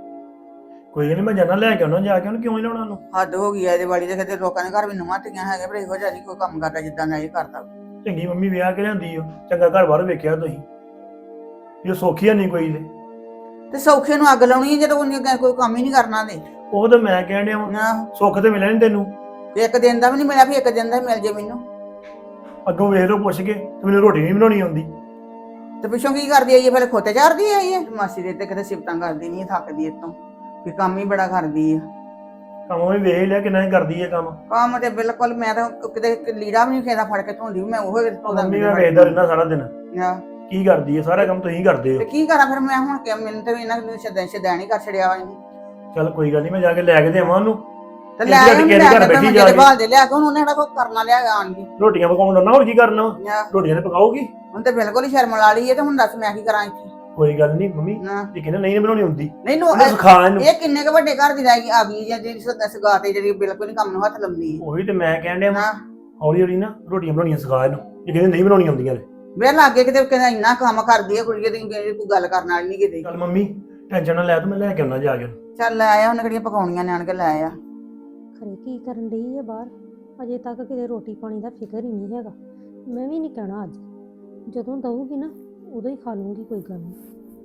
[SPEAKER 7] ਕੋਈ ਨਹੀਂ, ਮੈਂ ਜਾਣਾ ਲੈ ਕੇ ਆਉਣਾ, ਜਾ ਕੇ ਉਹਨੂੰ ਕਿਉਂ ਨਹੀਂ ਲਾਉਣਾ ਉਹਨੂੰ।
[SPEAKER 6] ਹੱਦ ਹੋ ਗਈ ਆ ਇਹਦੇ ਵਾਲੀ ਦੇ। ਕਿਤੇ ਲੋਕਾਂ ਦੇ ਘਰ ਵੀ ਨਵਾਂ ਧੀਆਂ ਹੈਗੇ, ਪਰ ਇਹੋ ਜਿਹਾ ਨਹੀਂ ਕੋਈ ਕੰਮ ਕਰਦਾ ਜਿੱਦਾਂ ਦਾ ਇਹ ਕਰਦਾ।
[SPEAKER 7] ਚੰਗੀ ਮੰਮੀ ਵਿਆਹ ਕੇ ਲਿਆਂਦੀ ਓ, ਚੰਗਾ ਘਰ ਬਾਹਰ ਵੇਖਿਆ ਤੁਸੀਂ। ਇਹ ਸੌਖੀ ਨਹੀਂ ਕੋਈ ਤੇ।
[SPEAKER 6] ਤੇ ਸੌਖੇ ਨੂੰ ਅੱਗ ਲਾਉਣੀ ਹੈ ਜਦੋਂ ਉਹਨੇ ਕੋਈ ਕੰਮ ਹੀ ਨਹੀਂ ਕਰਨਾ ਤੇ।
[SPEAKER 7] ਉਹ ਤਾਂ ਮੈਂ ਕਹਿਣ ਡਿਆ ਵਾਂ,
[SPEAKER 6] ਨਾ
[SPEAKER 7] ਸੁੱਖ ਤੇ ਮਿਲਿਆ ਨਹੀਂ ਤੈਨੂੰ।
[SPEAKER 6] ਇੱਕ ਦਿਨ ਦਾ ਵੀ ਨਹੀਂ ਮਿਲਿਆ, ਵੀ ਇੱਕ ਦਿਨ ਦਾ ਮਿਲ ਜੇ ਮੈਨੂੰ।
[SPEAKER 7] ਅੱਗੋਂ ਵੇਖ ਲਓ ਪੁੱਛ ਕੇ ਤੇ ਮੈਨੂੰ ਰੋਟੀ ਨਹੀਂ ਬਣਾਉਣੀ ਆਉਂਦੀ।
[SPEAKER 6] ਤੇ ਪਿੱਛੋਂ ਕੀ ਕਰਦੀ ਆਈ ਹੈ, ਫਿਰ ਖੋਤੇ ਚਾਰਦੀ ਆਈ ਹੈ। ਮਾਸੀ ਦੇ ਤੇ ਕਿਤੇ ਸਿਫਤਾਂ ਕਰਦੀ ਨਹੀਂ, ਥੱਕਦੀ ਇਤੋਂ ਵੀ ਕੰਮ ਹੀ ਬੜਾ ਕਰਦੀ ਆ।
[SPEAKER 7] ਕੰਮ ਵੀ ਵੇਖ ਲਿਆ ਕਿੰਨਾ ਹੀ ਕਰਦੀ ਹੈ ਕੰਮ।
[SPEAKER 6] ਕੰਮ ਤੇ ਬਿਲਕੁਲ, ਮੈਂ ਤਾਂ ਕਿਤੇ ਲੀੜਾ ਵੀ ਨਹੀਂ ਖੇਦਾ ਫੜ ਕੇ ਧੋਂਦੀ, ਮੈਂ ਉਹ ਧੋਦਾ।
[SPEAKER 7] ਮੰਮੀ ਮੈਂ ਵੇਖਦਾ ਰਹਿੰਦਾ ਸਾਰਾ ਦਿਨ
[SPEAKER 6] ਹਾਂ
[SPEAKER 7] ਕੀ ਕਰਦੀ ਹੈ, ਸਾਰਾ ਕੰਮ ਤੁਸੀਂ ਕਰਦੇ ਹੋ।
[SPEAKER 6] ਤੇ ਕੀ ਕਰਾਂ ਫਿਰ ਮੈਂ ਹੁਣ ਕਿ ਮੈਨੂੰ ਤੇ ਇਹਨਾਂ ਨੂੰ ਸ਼ਦੈਂ ਸ਼ਦੈਣ ਹੀ ਕਰ ਛੜਿਆ ਵਾ ਇਹਨੂੰ।
[SPEAKER 7] ਚੱਲ ਕੋਈ ਗੱਲ ਨਹੀਂ, ਮੈਂ ਜਾ ਕੇ ਲੈ ਕੇ ਦੇਵਾਂ ਉਹਨੂੰ।
[SPEAKER 6] ਤੇ
[SPEAKER 7] ਇਹ
[SPEAKER 6] ਲੈ
[SPEAKER 7] ਜਿਹੜੀ
[SPEAKER 6] ਉਹਨੂੰ
[SPEAKER 7] ਕਿਸੇ
[SPEAKER 6] ਲੈ
[SPEAKER 7] ਦੇ ਘਰ
[SPEAKER 6] ਕੇ
[SPEAKER 7] ਬੈਠੀ
[SPEAKER 6] ਮੈਂ
[SPEAKER 7] ਜਾ
[SPEAKER 6] ਜਿਹੜੇ
[SPEAKER 7] ਕੇ।
[SPEAKER 6] ਬਾਹਰ ਦੇ ਲਿਆ ਕੇ ਹੁਣ ਉਹਨੇ ਕਿਹੜਾ ਕੋਈ ਕਰਨਾ ਲਿਆ ਆਣ ਦੀ।
[SPEAKER 7] ਰੋਟੀਆਂ ਪਕਾਉਣ ਨਾ, ਹੋਰ ਕੀ ਕਰਨਾ ਵਾ?
[SPEAKER 6] ਹਾਂ,
[SPEAKER 7] ਰੋਟੀਆਂ ਤੇ ਪਕਾਉਗੀ।
[SPEAKER 6] ਹੁਣ ਤੇ ਬਿਲਕੁਲ ਹੀ ਸ਼ਰਮ ਲਾ ਲਈ ਹੈ ਤੇ ਹੁਣ ਦੱਸ ਮੈਂ ਕੀ ਕਰਾਂ ਇੱਥੇ।
[SPEAKER 7] ਕੋਈ ਗੱਲ ਨਹੀਂ ਮੰਮੀ,
[SPEAKER 6] ਨਾ
[SPEAKER 7] ਇਹ ਕਹਿੰਦੇ ਨਹੀਂ ਬਣਾਉਣੀ ਹੁੰਦੀ,
[SPEAKER 6] ਨਹੀਂ ਨੂੰ
[SPEAKER 7] ਉਹਨੂੰ ਸਿਖਾ ਇਹਨੂੰ।
[SPEAKER 6] ਇਹ ਕਿੰਨੇ ਕ ਵੱਡੇ ਘਰ ਦੀ ਰਹਿ ਗਈ ਆ ਗਈ ਜਾਂ ਜਿਹੜੀ ਸਗਾ ਤੇ ਜਿਹੜੀ ਬਿਲਕੁਲ ਹੀ ਕੰਮ ਨੂੰ ਹੱਥ ਲਾਉਂਦੀ ਹੈ।
[SPEAKER 7] ਉਹੀ ਤੇ ਮੈਂ ਕਹਿਣ ਡਿਆ ਵਾਂ,
[SPEAKER 6] ਨਾ
[SPEAKER 7] ਹੌਲੀ ਹੌਲੀ ਨਾ ਰੋਟੀਆਂ ਬਣਾਉਣੀਆਂ ਸਿਖਾ ਇਹਨੂੰ। ਇਹ ਕਹਿੰਦੇ ਨਹੀਂ ਬਣਾਉਣੀਆਂ ਹੁੰਦੀਆਂ ਨੇ।
[SPEAKER 6] ਮੇਰੇ ਲਾਗੇ ਕਿਤੇ ਕਹਿੰਦਾ ਇੰਨਾ ਕੰਮ ਕਰਦੀ ਹੈ ਕੁੜੀ ਦੀ, ਕੋਈ ਗੱਲ ਕਰਨ ਵਾਲੀ ਨਹੀਂ ਕਿਤੇ।
[SPEAKER 7] ਚੱਲ ਮੰਮੀ ਟੈਨਸ਼ਨ ਨਾ ਲੈ, ਤੂੰ ਮੈਂ ਲੈ ਕੇ ਆਉਣਾ ਜਾ ਕੇ ਉਹਨੂੰ।
[SPEAKER 6] ਚੱਲ ਲੈ ਆਇਆ, ਉਹਨੇ ਕਿਹੜੀਆਂ ਪਕਾਉਣੀਆਂ ਨੇ ਆਣ ਕੇ ਲੈ ਆ।
[SPEAKER 2] ਖਰੇ ਕੀ ਕਰਨ ਡਈ ਆ ਬਾਹਰ, ਅਜੇ ਤੱਕ ਕਿਤੇ ਰੋਟੀ ਪਾਣੀ ਦਾ ਫਿਕਰ ਹੀ ਨਹੀਂ ਹੈਗਾ। ਮੈਂ ਵੀ ਨਹੀਂ ਕਹਿਣਾ ਅੱਜ, ਜਦੋਂ ਦਊਗੀ ਨਾ ਉਦੋਂ ਹੀ ਖਾ ਲੂੰਗੀ, ਕੋਈ ਗੱਲ ਨਹੀਂ।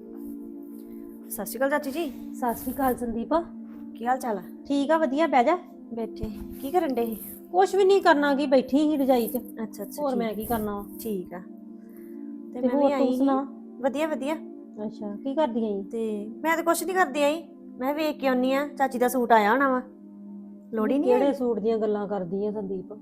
[SPEAKER 5] ਸਤਿ ਸ਼੍ਰੀ ਅਕਾਲ ਚਾਚੀ ਜੀ।
[SPEAKER 2] ਸਤਿ ਸ਼੍ਰੀ ਅਕਾਲ ਸੰਦੀਪ।
[SPEAKER 5] ਕੀ ਹਾਲ ਚਾਲ ਆ?
[SPEAKER 2] ਠੀਕ ਆ, ਵਧੀਆ, ਬਹਿ ਜਾ।
[SPEAKER 5] ਬੈਠੇ ਕੀ ਕਰਨ ਡੇ?
[SPEAKER 2] ਕੁਛ ਵੀ ਨਹੀਂ ਕਰਨਾ, ਕੀ ਬੈਠੀ ਸੀ ਰਜਾਈ 'ਚ।
[SPEAKER 5] ਅੱਛਾ ਅੱਛਾ,
[SPEAKER 2] ਹੋਰ
[SPEAKER 5] ਠੀਕ-
[SPEAKER 2] ਮੈਂ ਕੀ ਕਰਨਾ ਵਾ।
[SPEAKER 5] ਠੀਕ ਆ। ਤੇ
[SPEAKER 2] ਤੇ
[SPEAKER 5] ਮੈਂ ਵੀ
[SPEAKER 2] ਹੋਰ
[SPEAKER 5] ਆਈ
[SPEAKER 2] ਤੂੰ
[SPEAKER 5] ਸੀ।
[SPEAKER 2] ਸੁਣਾ?
[SPEAKER 5] ਵਧੀਆ ਵਧੀਆ।
[SPEAKER 2] ਅੱਛਾ, ਕੀ ਕਰਦੀ ਆਂ?
[SPEAKER 5] ਤੇ ਮੈਂ ਤਾਂ ਕੁਛ ਨਹੀਂ ਕਰਦੀ ਆਈ, ਮੈਂ ਵੇਖ ਕੇ ਆਉਣੀ ਆ ਚਾਚੀ ਦਾ ਸੂਟ ਆਇਆ ਹੋਣਾ ਵਾ। ਲੋੜੀ ਨਹੀਂ
[SPEAKER 2] ਕਿਹੜੇ
[SPEAKER 5] ਆਈ?
[SPEAKER 2] ਸੂਟ ਦੀਆਂ ਗੱਲਾਂ ਕਰਦੀ ਆ ਸੰਦੀਪ?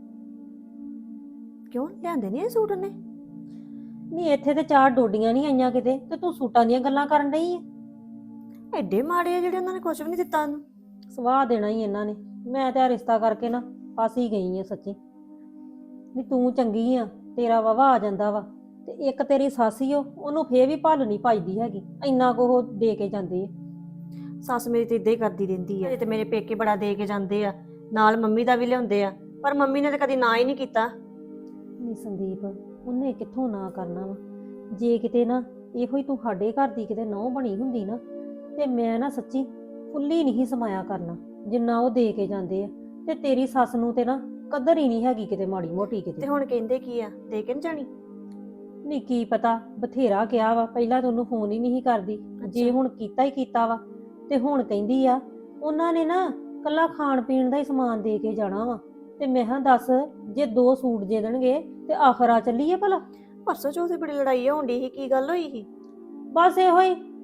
[SPEAKER 5] ਕਿਉਂ ਲਿਆਂਦੇ ਨਹੀਂ ਇਹ ਸੂਟ ਉਹਨੇ?
[SPEAKER 2] ਨਹੀਂ ਇੱਥੇ ਤੇ ਚਾਰ ਡੋਡੀਆਂ ਨਹੀਂ ਆਈਆਂ ਕਿਤੇ, ਤੇ ਤੂੰ ਸੂਟਾਂ ਦੀਆਂ ਗੱਲਾਂ ਕਰਨ ਡਈ ਆ।
[SPEAKER 5] ਐਡੇ ਮਾੜੇ ਆ ਜਿਹੜੇ ਉਹਨਾਂ ਨੇ ਕੁਛ ਵੀ ਨਹੀਂ ਦਿੱਤਾ ਉਹਨੂੰ।
[SPEAKER 2] ਸਵਾਹ ਦੇਣਾ ਹੀ ਇਹਨਾਂ ਨੇ। ਮੈਂ ਤੇ ਆ ਰਿਸ਼ਤਾ ਕਰਕੇ ਨਾ ਫਸ ਹੀ ਗਈ ਆ ਸੱਚੀ। ਨਹੀਂ ਤੂੰ ਚੰਗੀ ਆ, ਤੇਰਾ ਵਾਵਾ ਆ ਜਾਂਦਾ ਵਾ, ਤੇ ਇੱਕ ਤੇਰੀ ਸੱਸ ਈ ਓ, ਉਹਨੂੰ ਫੇਰ ਵੀ ਭੱਲ ਨਹੀਂ ਪਾਈਦੀ ਹੈਗੀ, ਇੰਨਾ ਕੁ ਉਹ ਦੇ ਕੇ ਜਾਂਦੇ ਆ।
[SPEAKER 5] ਸੱਸ ਮੇਰੀ ਤੇ ਇਦਾਂ ਹੀ ਕਰਦੀ ਰਹਿੰਦੀ ਆ। ਤੇ ਮੇਰੇ ਪੇਕੇ ਬੜਾ ਦੇ ਕੇ ਜਾਂਦੇ ਆ, ਨਾਲ ਮੰਮੀ ਦਾ ਵੀ ਲਿਆਉਂਦੇ ਆ, ਪਰ ਮੰਮੀ ਨੇ ਤਾਂ ਕਦੀ ਨਾ ਹੀ ਨਹੀਂ ਕੀਤਾ।
[SPEAKER 2] ਨਹੀਂ ਸੰਦੀਪ, ਉਹਨੇ ਕਿੱਥੋਂ ਨਾ ਕਰਨਾ ਵਾ। ਜੇ ਕਿਤੇ ਨਾ ਇਹੋ ਹੀ ਤੂੰ ਸਾਡੇ ਘਰ ਦੀ ਕਿਤੇ ਨਹੁੰ ਬਣੀ ਹੁੰਦੀ ਨਾ, ਤੇ ਮੈਂ ਨਾ ਸੱਚੀ ਫੁੱਲੀ ਨਹੀਂ ਸਮਾਇਆ ਕਰਨਾ ਜਿੰਨਾ ਉਹ ਦੇ ਕੇ ਜਾਂਦੇ ਆ। ਤੇ ਤੇਰੀ ਸੱਸ ਨੂੰ ਤੇ ਨਾ ਕਦਰ ਹੀ ਨਹੀਂ ਹੈਗੀ ਕਿਤੇ ਮਾੜੀ ਮੋਟੀ
[SPEAKER 5] ਤੇ
[SPEAKER 2] ਕਿਤੇ।
[SPEAKER 5] ਹੁਣ ਕਹਿੰਦੇ ਕੀ ਆ, ਦੇ ਕੇ ਨੀ ਜਾਣੀ?
[SPEAKER 2] ਨਹੀਂ ਕੀ ਪਤਾ, ਬਥੇਰਾ ਕਿਹਾ ਵਾ, ਪਹਿਲਾਂ ਤਾਂ ਉਹਨੂੰ ਫੋਨ ਹੀ ਨਹੀਂ ਕਰਦੀ, ਜੇ ਹੁਣ ਕੀਤਾ ਹੀ ਕੀਤਾ ਵਾ। ਤੇ ਹੁਣ ਕਹਿੰਦੀ ਆ ਉਹਨਾਂ ਨੇ ਨਾ ਕੱਲਾ ਖਾਣ ਪੀਣ ਦਾ ਹੀ ਸਮਾਨ ਦੇ ਕੇ ਜਾਣਾ ਵਾ। ਤੇ ਮੈਂ ਹਾਂ ਦੱਸ, ਜੇ ਦੋ ਸੂਟ ਦੇ ਦੇਣਗੇ ਤੇ ਆਖਰ ਆ ਚੱਲੀਏ ਭਲਾ।
[SPEAKER 5] ਪਰਸੋਂ ਚੌਥੇ ਬੜੀ ਲੜਾਈ ਹੋਣ ਡਈ ਸੀ, ਕੀ ਗੱਲ ਹੋਈ ਸੀ?
[SPEAKER 2] ਬਸ ਇਹੋ ਹੀ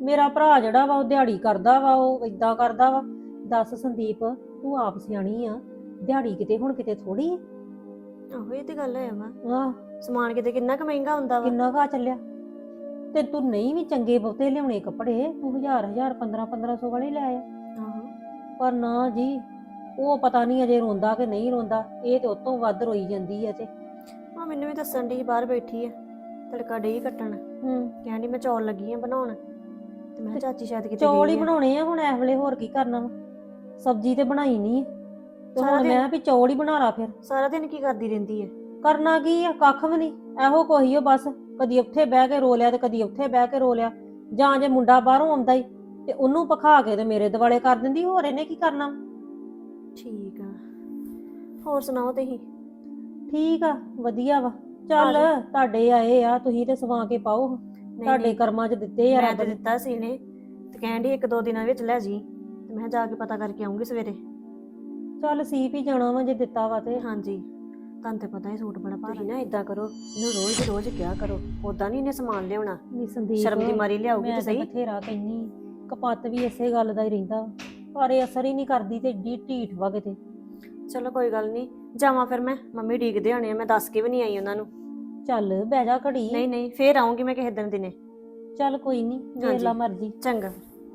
[SPEAKER 2] ਮੇਰਾ ਭਰਾ ਜਿਹੜਾ ਵਾ ਉਹ ਦਿਹਾੜੀ ਕਰਦਾ ਵਾ, ਉਹ ਇਦਾਂ ਕਰਦਾ ਵਾ। ਦੱਸ ਸੰਦੀਪ, ਤੂੰ ਆਪ ਸਿਆਣੀ ਆ, ਦਿਹਾੜੀ ਕਿਤੇ ਹੁਣ ਕਿਤੇ ਥੋੜੀ ਆ।
[SPEAKER 5] ਆਹੋ ਇਹ ਤੇ ਗੱਲ ਹੈ ਵਾ,
[SPEAKER 2] ਆਹ
[SPEAKER 5] ਸਮਾਨ ਕਿਤੇ ਕਿੰਨਾ ਕੁ ਮਹਿੰਗਾ ਹੁੰਦਾ ਵਾ।
[SPEAKER 2] ਕਿੰਨਾ ਘਾ ਚੱਲਿਆ। ਤੇ ਤੂੰ ਨਹੀਂ ਵੀ ਚੰਗੇ ਬਹੁਤੇ ਲਿਆਉਣੇ ਕੱਪੜੇ, ਤੂੰ ਹਜ਼ਾਰ ਹਜ਼ਾਰ ਪੰਦਰਾਂ ਪੰਦਰਾਂ ਸੌ ਵਾਲੇ ਲੈ ਆ।
[SPEAKER 5] ਆਹੋ
[SPEAKER 2] ਪਰ ਨਾ ਜੀ, ਉਹ ਪਤਾ ਨਹੀਂ ਅਜੇ ਰੋਂਦਾ ਕਿ ਨਹੀਂ ਰੋਂਦਾ, ਇਹ ਤੇ ਉਤੋਂ ਵੱਧ ਰੋਈ ਜਾਂਦੀ ਹੈ ਤੇ
[SPEAKER 5] ਆ ਮੈਨੂੰ ਵੀ ਦੱਸਣ ਦੀ ਬਾਹਰ ਬੈਠੀ ਆ, ਤੜਕਾ ਡਈ ਕੱਟਣ,
[SPEAKER 2] ਹੂੰ
[SPEAKER 5] ਕਹਿੰਦੀ ਮੈਂ ਚੌਲ ਲੱਗੀ ਆ ਬਣਾਉਣ, ਤੇ ਮੈਂ ਕਿਹਾ ਚਾਚੀ ਸ਼ਾਇਦ ਕਿਤੇ
[SPEAKER 2] ਚੌਲ
[SPEAKER 5] ਗਈ
[SPEAKER 2] ਹੀ
[SPEAKER 5] ਆ।
[SPEAKER 2] ਬਣਾਉਣੇ ਆ ਹੁਣ ਇਸ ਵੇਲੇ, ਹੋਰ ਕੀ ਕਰਨਾ ਵਾ। ਸਬਜ਼ੀ ਤੇ ਬਣਾਈ ਨਹੀਂ ਤੇ
[SPEAKER 5] ਸਾਰਾ
[SPEAKER 2] ਹੁਣ
[SPEAKER 5] ਦਿਨ-
[SPEAKER 2] ਮੈਂ ਵੀ ਚੌਲ ਹੀ ਬਣਾ ਲਾ ਫਿਰ।
[SPEAKER 5] ਸਾਰਾ ਦਿਨ ਕੀ ਕਰਦੀ ਰਹਿੰਦੀ ਹੈ?
[SPEAKER 2] ਕਰਨਾ ਕੀ ਆ, ਕੱਖ ਵੀ ਨਹੀਂ, ਇਹੋ ਕੋਈ ਓ ਬਸ, ਕਦੀ ਉੱਥੇ ਬਹਿ ਕੇ ਰੋ ਲਿਆ ਤੇ ਕਦੀ ਉੱਥੇ ਬਹਿ ਕੇ ਰੋ ਲਿਆ। ਜਾਂ ਜੇ ਮੁੰਡਾ ਬਾਹਰੋਂ ਆਉਂਦਾ ਈ ਤੇ ਉਹਨੂੰ ਪਖਾ ਕੇ ਤੇ ਮੇਰੇ ਦਿਵਾਲੇ ਕਰ ਦਿੰਦੀ, ਹੋਰ ਇਹਨੇ ਕੀ ਕਰਨਾ।
[SPEAKER 5] ਠੀਕ ਆ, ਹੋਰ ਸੁਣਾਓ ਤੁਸੀਂ?
[SPEAKER 2] ਠੀਕ ਆ, ਵਧੀਆ ਵਾ। ਚੱਲ
[SPEAKER 5] ਆ
[SPEAKER 2] ਤੁਹਾਡੇ ਆਏ ਆ, ਤੁਸੀਂ ਤੇ ਸਵਾ ਕੇ ਪਾਓ,
[SPEAKER 5] ਨਹੀਂ,
[SPEAKER 2] ਤੁਹਾਡੇ
[SPEAKER 5] ਨਹੀਂ,
[SPEAKER 2] ਕਰਮਾਂ 'ਚ ਦਿੱਤੇ ਆ
[SPEAKER 5] ਮੈਂ
[SPEAKER 2] ਰੱਬ
[SPEAKER 5] ਤੇ
[SPEAKER 2] ਨੇ।
[SPEAKER 5] ਦਿੱਤਾ ਸੀ ਨੇ, ਤੇ ਕਹਿੰਦੀ ਇੱਕ ਦੋ ਦਿਨਾਂ ਵਿੱਚ ਲੈ ਜੀ, ਤੇ ਮੈਂ ਜਾ ਕੇ ਪਤਾ ਕਰਕੇ ਆਉਂਗੀ ਸਵੇਰੇ।
[SPEAKER 2] ਚੱਲ ਸੀਪ ਹੀ ਜਾਣਾ ਵਾ ਜੇ ਦਿੱਤਾ ਵਾ ਤੇ।
[SPEAKER 5] ਹਾਂਜੀ, ਤੁਹਾਨੂੰ ਤੇ ਪਤਾ ਹੀ ਸੂਟ ਬੜਾ ਭਾਰਾ। ਤੁਸੀਂ ਨਾ ਇਦਾਂ ਕਰੋ, ਇਹਨੂੰ ਰੋਜ਼ ਦੀ ਰੋਜ਼ ਕਿਹਾ ਕਰੋ, ਉਦਾਂ ਨਹੀਂ ਇਹਨੇ ਸਮਾਨ ਲਿਆਉਣਾ,
[SPEAKER 2] ਨੀ ਸੰਦੀਪ,
[SPEAKER 5] ਸ਼ਰਮ ਦੀ ਮਾਰੀ ਲਿਆਉਗੀ
[SPEAKER 2] ਮੈਂ
[SPEAKER 5] ਤੇ
[SPEAKER 2] ਤਾਂ
[SPEAKER 5] ਸਹੀ।
[SPEAKER 2] ਬਥੇਰਾ ਕਹਿੰਨੀ, ਕਪੱਤ ਵੀ ਇਸੇ ਗੱਲ ਦਾ ਹੀ ਰਹਿੰਦਾ ਵਾ। ਪਰ ਇਹ ਅਸਰ ਹੀ ਨਹੀਂ ਕਰਦੀ ਤੇ ਏਡੀ ਢੀਠ ਵਾ ਕਿਤੇ।
[SPEAKER 5] ਚਲੋ ਕੋਈ ਗੱਲ ਨਹੀਂ, ਜਾਵਾਂ ਫਿਰ ਮੈਂ, ਮੰਮੀ ਡੀਕਦੇ ਹੋਣੇ ਆ, ਮੈਂ ਦੱਸ ਕੇ ਵੀ ਨਹੀਂ ਆਈ ਉਹਨਾਂ ਨੂੰ।
[SPEAKER 2] ਚੱਲ ਬਹਿ ਜਾ ਘੜੀ।
[SPEAKER 5] ਨਹੀਂ ਨਹੀਂ, ਫੇਰ ਆਉਂਗੀ ਮੈਂ ਕਿਸੇ ਦਿਨ ਦਿਨੇ।
[SPEAKER 2] ਚੱਲ ਕੋਈ ਨਹੀਂ, ਵੇਖ
[SPEAKER 5] ਹਾਂਜੀ।
[SPEAKER 2] ਲਾ ਮਰਜ਼ੀ।
[SPEAKER 5] ਚੰਗਾ।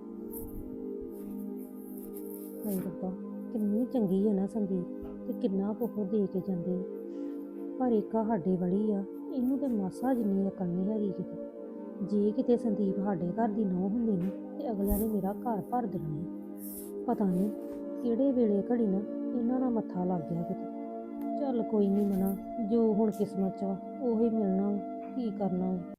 [SPEAKER 2] ਹਾਏ ਰੱਬਾ, ਕਿੰਨੀ ਚੰਗੀ ਹੈ ਨਾ ਸੰਦੀਪ, ਤੇ ਕਿੰਨਾ ਕੁਝ ਦੇ ਕੇ ਜਾਂਦੇ ਆ। ਪਰ ਇੱਕ ਆ ਸਾਡੇ ਵਾਲੀ ਆ, ਇਹਨੂੰ ਤੇ ਮਾਸਾ ਜਿੰਨੀ ਅਕਲ ਨਹੀਂ ਹੈਗੀ ਕਿਤੇ। ਜੇ ਕਿਤੇ ਸੰਦੀਪ ਸਾਡੇ ਘਰ ਦੀ ਨੌਂ ਹੁੰਦੀ ਨਾ, ਤੇ ਅਗਲਿਆਂ ਨੇ ਮੇਰਾ ਘਰ ਭਰ ਦੇਣਾ ਸੀ। ਪਤਾ ਨਹੀਂ ਕਿਹੜੇ ਵੇਲੇ ਘੜੀ ਨਾ ਇਹਨਾਂ ਦਾ ਮੱਥਾ ਲੱਗ ਗਿਆ ਕਿਤੇ। ਚੱਲ ਕੋਈ ਨਹੀਂ ਮਨਾ, ਜੋ ਹੁਣ ਕਿਸਮਤ 'ਚ ਵਾ ਉਹੀ ਮਿਲਣਾ ਵਾ, ਕੀ ਕਰਨਾ ਵਾ।